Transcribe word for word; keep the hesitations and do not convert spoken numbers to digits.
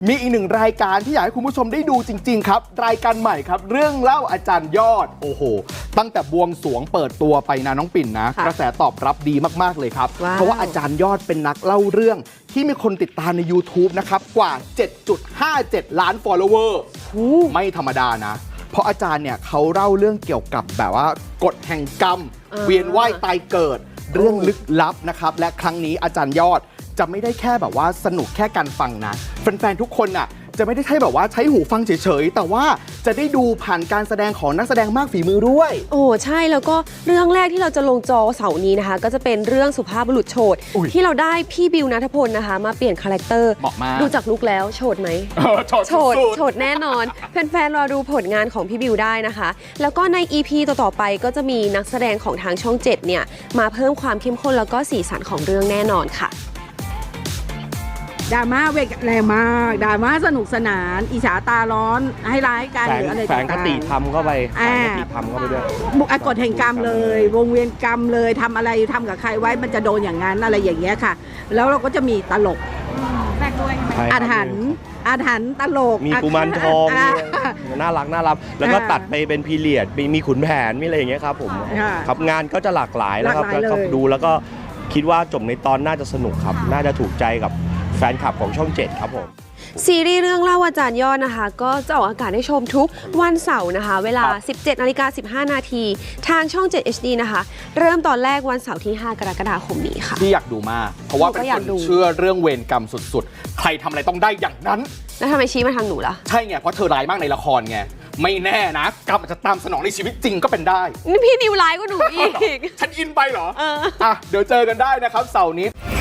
มีอีกหนึ่งรายการที่อยากให้คุณผู้ชมได้ดูจริงๆครับรายการใหม่ครับเรื่องเล่าอาจารย์ยอดโอ้โหตั้งแต่บวงสรวงเปิดตัวไปนะน้องปิ่นนะกระแสตอบรับดีมากๆเลยครับเพราะว่าอาจารย์ยอดเป็นนักเล่าเรื่องที่มีคนติดตามใน YouTube นะครับกว่า เจ็ดจุดห้าเจ็ด ล้าน follower ไม่ธรรมดานะเพราะอาจารย์เนี่ยเขาเล่าเรื่องเกี่ยวกับแบบว่ากฎแห่งกรรมเวียนว่ายตายเกิดเรื่องลึกลับนะครับและครั้งนี้อาจารย์ยอดจะไม่ได้แค่แบบว่าสนุกแค่การฟังนะแฟนๆทุกคนน่ะจะไม่ได้ใช่แบบว่าใช้หูฟังเฉยๆแต่ว่าจะได้ดูผ่านการแสดงของนักแสดงมากฝีมือด้วยโอ้ใช่แล้วก็เรื่องแรกที่เราจะลงจอเสาร์นี้นะคะก็จะเป็นเรื่องสุภาพบุรุษโฉดที่เราได้พี่บิวณัฐพลนะคะมาเปลี่ยนคาแรคเตอร์เหมาะมากดูจากลุคแล้วโฉดไหมโฉดโฉดแน่นอนแฟนๆรอดูผลงานของพี่บิวได้นะคะแล้วก็ใน อี พี ต่อๆไปก็จะมีนักแสดงของทางช่องเจ็ดเนี่ยมาเพิ่มความเข้มข้นแล้วก็สีสันของเรื่องแน่นอนค่ะดราม่าเวกแรงมากดราม่าสนุกสนานอิจฉาตาร้อนให้ร้ายกันหรืออะไรแฝงคติธรรมเข้าไปแฝงคติธรรมเข้าไปด้วยบุกกฎแห่งกรรมเลยวงเวียนกรรมเลยทำอะไรทำกับใครไว้มันจะโดนอย่างนั้นอะไรอย่างเงี้ยค่ะแล้วเราก็จะมีตลกอาถรรพ์อาถรรพ์ตลกมีกุมารทองน่ารักน่ารักแล้วก็ตัดไปเป็นพีเรียดมีมีขุนแผนมีอะไรอย่างเงี้ยครับผมครับงานก็จะหลากหลายแล้วครับแล้วก็ดูแล้วก็คิดว่าจบในตอนน่าจะสนุกครับน่าจะถูกใจกับแฟนคลับของช่องเจ็ดครับผมซีรีส์เรื่องเล่าอาจารย์ยอดนะคะก็จะออกอากาศให้ชมทุกวันเสาร์นะคะเวลา สิบเจ็ดนาฬิกาสิบห้านาทีทางช่องเจ็ด เอช ดี นะคะเริ่มตอนแรกวันเสาร์ที่ห้ากรกฎาคมนี้ค่ะที่อยากดูมากเพราะว่าเป็นคนเชื่อเรื่องเวรกรรมสุดๆใครทำอะไรต้องได้อย่างนั้นแล้วทำไมชี้มาทางหนูล่ะใช่ไงเพราะเธอร้ายมากในละครไงไม่แน่นะกรรมอาจจะตามสนองในชีวิตจริงก็เป็นได้นี่พี่นิวไลฟ์ก็หนูอีกฉันอินไปเหรออ่ะเดี๋ยวเจอกันได้นะครับเสาร์นี้